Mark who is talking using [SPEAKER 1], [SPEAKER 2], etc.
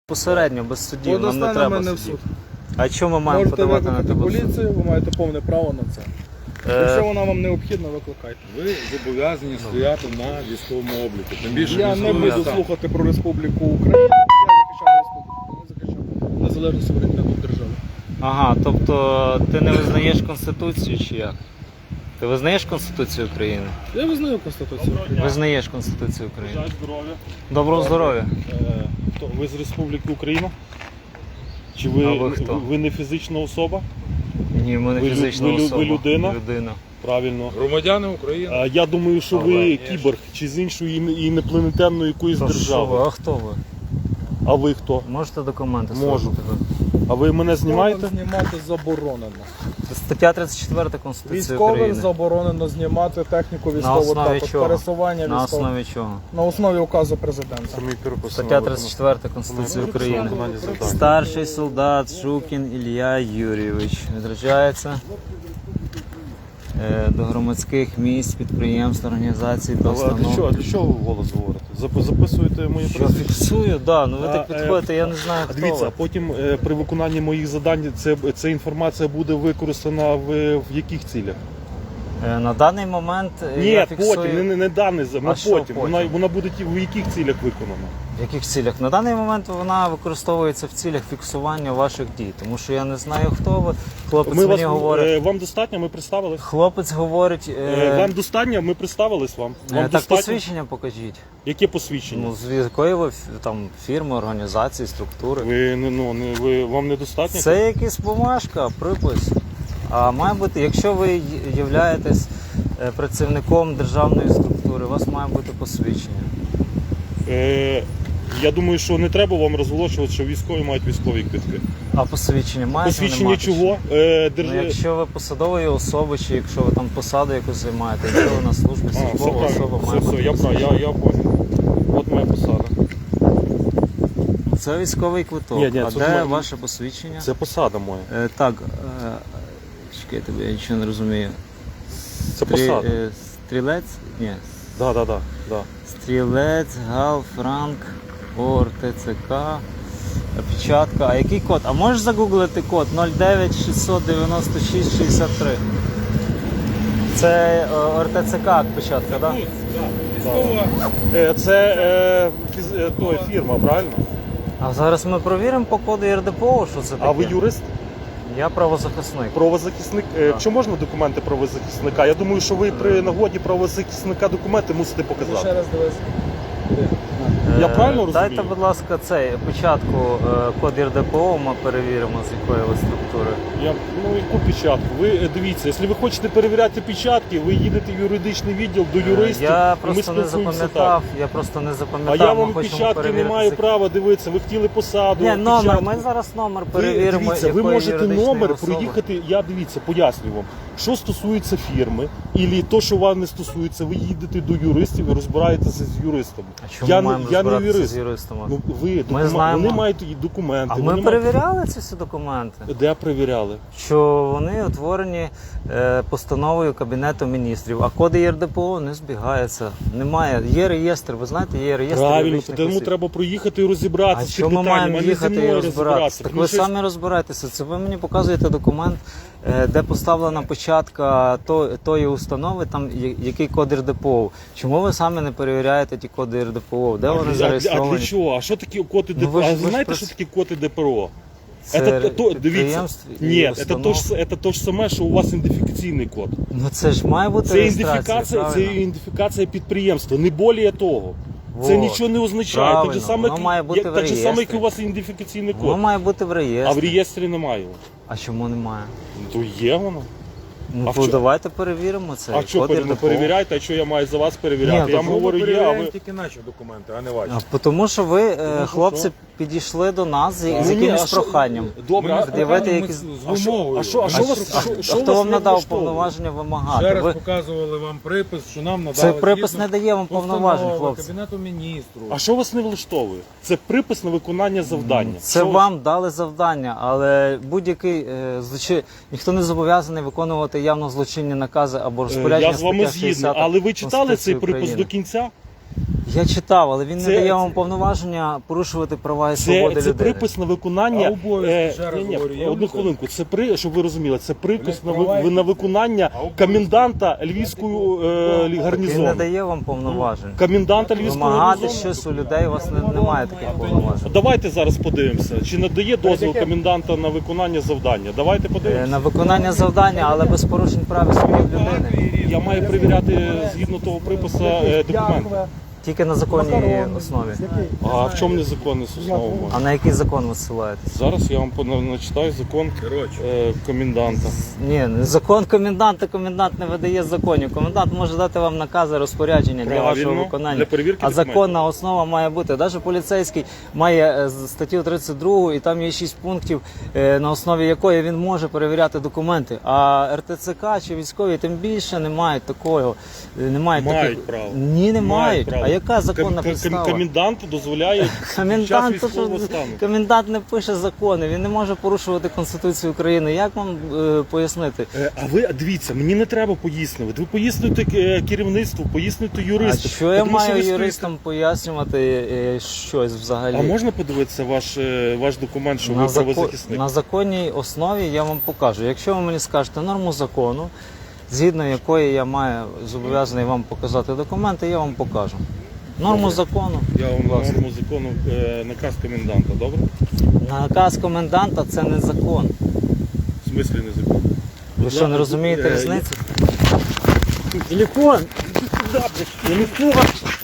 [SPEAKER 1] Посередньо, без судів, нам не
[SPEAKER 2] Подасте на
[SPEAKER 1] треба
[SPEAKER 2] мене в
[SPEAKER 1] судів.
[SPEAKER 2] суд.
[SPEAKER 1] А чому ми маємо
[SPEAKER 2] Можете
[SPEAKER 1] подавати на
[SPEAKER 2] викликати
[SPEAKER 1] тебе в суд?
[SPEAKER 2] поліцію, ви маєте повне право на це. Якщо вона вам необхідна, викликайте.
[SPEAKER 3] Ви зобов'язані стояти на військовому обліку. Тим більше
[SPEAKER 2] Я не
[SPEAKER 3] військовий
[SPEAKER 2] буду
[SPEAKER 3] стан.
[SPEAKER 2] слухати про Республіку Україна, я захищаю республіку, не захищаю незалежну суверенітету держави.
[SPEAKER 1] Ага, тобто ти не визнаєш Конституцію чи як? Ти визнаєш Конституцію України?
[SPEAKER 2] Я визнаю Конституцію.
[SPEAKER 1] Визнаєш Конституцію України.
[SPEAKER 3] Бажаю здоров'я.
[SPEAKER 1] Доброго здоров'я.
[SPEAKER 3] Ви з Республіки Україна? Чи
[SPEAKER 1] А ви хто?
[SPEAKER 3] ви не фізична особа?
[SPEAKER 1] Ні, ми не
[SPEAKER 3] Ви
[SPEAKER 1] фізична
[SPEAKER 3] ви
[SPEAKER 1] особа.
[SPEAKER 3] людина?
[SPEAKER 1] Людина.
[SPEAKER 3] Правильно.
[SPEAKER 4] Громадяни України.
[SPEAKER 3] Я думаю, що ви
[SPEAKER 4] Ага.
[SPEAKER 3] кіборг чи з іншої інопланетянної якоїсь
[SPEAKER 1] Та що ви,
[SPEAKER 3] держави.
[SPEAKER 1] а хто ви?
[SPEAKER 3] А ви хто?
[SPEAKER 1] Можете документи
[SPEAKER 3] Можу.
[SPEAKER 1] свої показати?
[SPEAKER 3] А ви мене знімаєте?
[SPEAKER 2] Знімати заборонено.
[SPEAKER 1] Стаття 34 Конституції
[SPEAKER 2] Військовим
[SPEAKER 1] України.
[SPEAKER 2] заборонено знімати техніку
[SPEAKER 1] На
[SPEAKER 2] військову
[SPEAKER 1] основі
[SPEAKER 2] також,
[SPEAKER 1] чого?
[SPEAKER 2] пересування
[SPEAKER 1] На
[SPEAKER 2] військових.
[SPEAKER 1] основі чого?
[SPEAKER 2] На основі указу президента.
[SPEAKER 1] Стаття 34 Конституції України. Старший солдат Шукін Ілля Юрійович відряджається до громадських місць, підприємств, організацій, до
[SPEAKER 3] А для
[SPEAKER 1] установ.
[SPEAKER 3] чого ви вголос говорите? Записуєте мої
[SPEAKER 1] Що
[SPEAKER 3] прізвище?
[SPEAKER 1] фіксую? Да, ну ви так
[SPEAKER 3] А,
[SPEAKER 1] підходите, я не знаю, хто
[SPEAKER 3] Дивіться,
[SPEAKER 1] ви.
[SPEAKER 3] а потім при виконанні моїх завдань ця інформація буде використана в яких цілях?
[SPEAKER 1] На даний момент
[SPEAKER 3] Ні,
[SPEAKER 1] я фіксую...
[SPEAKER 3] потім, не даний,
[SPEAKER 1] А що
[SPEAKER 3] потім.
[SPEAKER 1] потім?
[SPEAKER 3] Вона буде в яких цілях виконана?
[SPEAKER 1] В яких цілях? На даний момент вона використовується в цілях фіксування ваших дій, тому що я не знаю, хто ви. Хлопець
[SPEAKER 3] Ми
[SPEAKER 1] мені говорить.
[SPEAKER 3] вам достатньо, ми представились.
[SPEAKER 1] Хлопець говорить.
[SPEAKER 3] Вам достатньо, ми представились вам. Вам
[SPEAKER 1] Так
[SPEAKER 3] достатньо?
[SPEAKER 1] посвідчення покажіть.
[SPEAKER 3] Яке посвідчення?
[SPEAKER 1] Ну, з якої ви там фірми, організації, структури.
[SPEAKER 3] Вам недостатньо?
[SPEAKER 1] Це якась бумажка, припис. А має бути, якщо ви являєтесь працівником державної структури, у вас має бути посвідчення.
[SPEAKER 3] Я думаю, що не треба вам розголошувати, що військові мають військові квитки.
[SPEAKER 1] А посвідчення маєте?
[SPEAKER 3] Посвідчення
[SPEAKER 1] не маєте
[SPEAKER 3] чого?
[SPEAKER 1] Ну, якщо ви посадової особи, чи якщо ви там посаду якусь займаєте, якщо ви на службі,
[SPEAKER 3] Все
[SPEAKER 1] службова особа
[SPEAKER 3] правильно,
[SPEAKER 1] має бути
[SPEAKER 3] я
[SPEAKER 1] посвідчення.
[SPEAKER 3] понял. От моя посада.
[SPEAKER 1] Це військовий квиток.
[SPEAKER 3] Ні,
[SPEAKER 1] А
[SPEAKER 3] це
[SPEAKER 1] де
[SPEAKER 3] моє-
[SPEAKER 1] ваше посвідчення?
[SPEAKER 3] Це посада моя.
[SPEAKER 1] Так, чекайте, бо я нічого не розумію.
[SPEAKER 3] Це посада.
[SPEAKER 1] Стрілець? Ні.
[SPEAKER 3] Да.
[SPEAKER 1] Стрілець, Гал, Франк, ОР, ТЦК, печатка. А який код? А можеш загуглити код 09 696 63? Це ОРТЦК печатка, так?
[SPEAKER 3] Це фірма, правильно?
[SPEAKER 1] А зараз ми провіримо по коду РДПО, що це таке.
[SPEAKER 3] А ви юрист?
[SPEAKER 1] Я правозахисник.
[SPEAKER 3] Правозахисник? Чи можна документи правозахисника? Я думаю, що ви при нагоді правозахисника документи мусите
[SPEAKER 2] Ще
[SPEAKER 3] показати.
[SPEAKER 2] раз дивись.
[SPEAKER 3] Я правильно розумію?
[SPEAKER 1] Дайте, будь ласка, печатку, код РДПО, ми перевіримо, з якої ви структури.
[SPEAKER 3] Яку печатку? Ви дивіться, якщо ви хочете перевіряти печатки, ви їдете в юридичний відділ до юристів.
[SPEAKER 1] Я
[SPEAKER 3] і ми
[SPEAKER 1] просто не
[SPEAKER 3] спілкуємося
[SPEAKER 1] запам'ятав,
[SPEAKER 3] так. А я вам печатки не маю права дивитися. Ви хотіли посаду.
[SPEAKER 1] Ні, номер,
[SPEAKER 3] печатку.
[SPEAKER 1] ми зараз номер
[SPEAKER 3] Ви,
[SPEAKER 1] перевіримо.
[SPEAKER 3] дивіться, ви
[SPEAKER 1] якої
[SPEAKER 3] можете
[SPEAKER 1] юридичної
[SPEAKER 3] номер
[SPEAKER 1] особи.
[SPEAKER 3] проїхати, я дивіться, пояснюю вам. Що стосується фірми, або то, що вам не стосується, ви їдете до юристів і розбираєтеся з юристами.
[SPEAKER 1] А чому
[SPEAKER 3] я
[SPEAKER 1] маємо
[SPEAKER 3] я не
[SPEAKER 1] розбиратися
[SPEAKER 3] юрист.
[SPEAKER 1] з юристами?
[SPEAKER 3] Ну, ви,
[SPEAKER 1] знаємо.
[SPEAKER 3] Вони мають і документи.
[SPEAKER 1] А
[SPEAKER 3] вони
[SPEAKER 1] ми перевіряли ці всі документи?
[SPEAKER 3] Де перевіряли?
[SPEAKER 1] Що вони утворені постановою Кабінету міністрів, а коди ЄРДПО не збігаються. Немає. Є реєстр, ви знаєте, є реєстр
[SPEAKER 3] Правильно,
[SPEAKER 1] юридичних
[SPEAKER 3] тому
[SPEAKER 1] осіб.
[SPEAKER 3] треба проїхати і розібратися
[SPEAKER 1] А
[SPEAKER 3] з
[SPEAKER 1] що
[SPEAKER 3] цим
[SPEAKER 1] ми
[SPEAKER 3] питанням,
[SPEAKER 1] маємо
[SPEAKER 3] а не зі
[SPEAKER 1] їхати і
[SPEAKER 3] мною
[SPEAKER 1] розбиратися? Так
[SPEAKER 3] Тому
[SPEAKER 1] ви
[SPEAKER 3] що
[SPEAKER 1] самі розбирайтеся. Це ви мені показуєте документ, де поставлена початка тої установи, там який код РДПО. Чому ви самі не перевіряєте ті коди РДПО? Де вони
[SPEAKER 3] А
[SPEAKER 1] зареєстровані?
[SPEAKER 3] для чого? А що такі коди
[SPEAKER 1] Ну,
[SPEAKER 3] ДПО?
[SPEAKER 1] ви ж-
[SPEAKER 3] А
[SPEAKER 1] ви
[SPEAKER 3] ви
[SPEAKER 1] ж
[SPEAKER 3] знаєте,
[SPEAKER 1] про-
[SPEAKER 3] що такі коди ДПРО?
[SPEAKER 1] Це
[SPEAKER 3] Дивіться,
[SPEAKER 1] підприємств і
[SPEAKER 3] ні,
[SPEAKER 1] установ.
[SPEAKER 3] це то ж саме, що у вас ідентифікаційний код.
[SPEAKER 1] Ну це ж має бути
[SPEAKER 3] Це
[SPEAKER 1] реєстрація,
[SPEAKER 3] ідентифікація, ідентифікація підприємства, не більше того. Це
[SPEAKER 1] Вот.
[SPEAKER 3] нічого не означає.
[SPEAKER 1] Правильно,
[SPEAKER 3] Так же саме,
[SPEAKER 1] воно має бути в
[SPEAKER 3] так же саме, як і
[SPEAKER 1] реєстрі.
[SPEAKER 3] у вас ідентифікаційний
[SPEAKER 1] Воно
[SPEAKER 3] код.
[SPEAKER 1] має бути в
[SPEAKER 3] А в
[SPEAKER 1] реєстрі.
[SPEAKER 3] реєстрі немає.
[SPEAKER 1] А чому немає?
[SPEAKER 3] Ну, то є воно.
[SPEAKER 1] Ну
[SPEAKER 3] А в
[SPEAKER 1] то
[SPEAKER 3] чо-
[SPEAKER 1] давайте перевіримо це.
[SPEAKER 3] А що
[SPEAKER 1] Код РДПО.
[SPEAKER 3] перевіряєте, а що я маю за вас перевіряти?
[SPEAKER 1] Ні,
[SPEAKER 3] Я
[SPEAKER 1] то
[SPEAKER 3] вам говорю, є, а ви...
[SPEAKER 4] тільки наші документи, а не ваші.
[SPEAKER 1] Тому що ви,
[SPEAKER 3] що
[SPEAKER 1] хлопці,
[SPEAKER 3] що?
[SPEAKER 1] підійшли до нас з
[SPEAKER 3] Ну, ні,
[SPEAKER 1] якимось
[SPEAKER 3] а що-
[SPEAKER 1] проханням.
[SPEAKER 3] Добре,
[SPEAKER 1] пред'явити якісь-
[SPEAKER 4] з вимогою.
[SPEAKER 3] а що вас
[SPEAKER 1] А хто вам надав повноваження
[SPEAKER 4] Ще
[SPEAKER 1] вимагати?
[SPEAKER 4] раз
[SPEAKER 1] Ви...
[SPEAKER 4] показували вам припис, що нам надали.
[SPEAKER 1] Це припис
[SPEAKER 4] згідно
[SPEAKER 1] не дає вам повноважень,
[SPEAKER 4] постанови
[SPEAKER 1] хлопці.
[SPEAKER 4] Кабінету міністрів.
[SPEAKER 3] А що вас не влаштовує? Це припис на виконання завдання.
[SPEAKER 1] Це
[SPEAKER 3] Що-
[SPEAKER 1] вам дали завдання, але будь-який ніхто не зобов'язаний виконувати явно злочинні накази або розпорядження.
[SPEAKER 3] Я з вами
[SPEAKER 1] стаття
[SPEAKER 3] згідний,
[SPEAKER 1] 60
[SPEAKER 3] але ви читали цей
[SPEAKER 1] Конституції
[SPEAKER 3] припис
[SPEAKER 1] України.
[SPEAKER 3] до кінця?
[SPEAKER 1] Я читав, але він
[SPEAKER 3] Це-
[SPEAKER 1] не дає
[SPEAKER 3] це-
[SPEAKER 1] вам повноваження порушувати права і
[SPEAKER 3] Це,
[SPEAKER 1] свободи
[SPEAKER 3] це
[SPEAKER 1] людини.
[SPEAKER 3] припис на виконання.
[SPEAKER 4] А обов'язки, ще раз
[SPEAKER 3] ні,
[SPEAKER 4] говорю, є
[SPEAKER 3] одну
[SPEAKER 4] у людей?
[SPEAKER 3] хвилинку. Це щоб ви розуміли, це припис
[SPEAKER 4] Ви не впливаєте?
[SPEAKER 3] на виконання
[SPEAKER 4] А обов'язки?
[SPEAKER 3] коменданта Львівського
[SPEAKER 1] Він не
[SPEAKER 3] гарнізону.
[SPEAKER 1] дає вам повноважень.
[SPEAKER 3] Коменданта Львівського
[SPEAKER 1] Вимагати
[SPEAKER 3] гарнізону.
[SPEAKER 1] щось у людей у вас немає таких повноважень.
[SPEAKER 3] Давайте зараз подивимося, чи надає дозвіл коменданта на виконання завдання. Давайте подивимося.
[SPEAKER 1] На виконання завдання, але без порушень прав і свобод людини.
[SPEAKER 3] Я маю перевіряти згідно того припису документи.
[SPEAKER 1] Тільки на законній основі.
[SPEAKER 3] А в чому незаконність основа?
[SPEAKER 1] А на який закон ви ссилаєтесь?
[SPEAKER 3] Зараз я вам начитаю закон коменданта.
[SPEAKER 1] Ні, закон коменданта, комендант не видає законів. Комендант може дати вам накази, розпорядження для вашого
[SPEAKER 3] Правильно,
[SPEAKER 1] виконання.
[SPEAKER 3] для перевірки
[SPEAKER 1] А
[SPEAKER 3] документів.
[SPEAKER 1] законна основа має бути. Навіть поліцейський має статтю 32 і там є 6 пунктів, на основі якої він може перевіряти документи. А РТЦК чи військові тим більше не мають такого. Не мають
[SPEAKER 3] Мають
[SPEAKER 1] таких...
[SPEAKER 3] право.
[SPEAKER 1] Ні, не мають.
[SPEAKER 3] право.
[SPEAKER 1] А яка законна підстава?
[SPEAKER 3] Коменданту дозволяє під час
[SPEAKER 1] Комендант,
[SPEAKER 3] військового стану.
[SPEAKER 1] комендант не пише закони, він не може порушувати Конституцію України. Як вам пояснити?
[SPEAKER 3] А ви дивіться, мені не треба пояснювати. Ви пояснюєте керівництву, пояснюєте
[SPEAKER 1] А
[SPEAKER 3] юристам.
[SPEAKER 1] що я
[SPEAKER 3] Тому
[SPEAKER 1] маю
[SPEAKER 3] ви стоїте-
[SPEAKER 1] юристам пояснювати щось взагалі?
[SPEAKER 3] А можна подивитися ваш документ, що ви
[SPEAKER 1] на,
[SPEAKER 3] правозахисник?
[SPEAKER 1] на законній основі я вам покажу. Якщо ви мені скажете норму закону, згідно якої я маю зобов'язаний вам показати документи, я вам покажу. Норму закону.
[SPEAKER 3] Я вам
[SPEAKER 1] будь ласка.
[SPEAKER 3] норму закону, наказ коменданта, добре?
[SPEAKER 1] Наказ коменданта це не закон.
[SPEAKER 3] В смислі не закон?
[SPEAKER 1] Ви що, не розумієте різниці? Телефон! Телефон!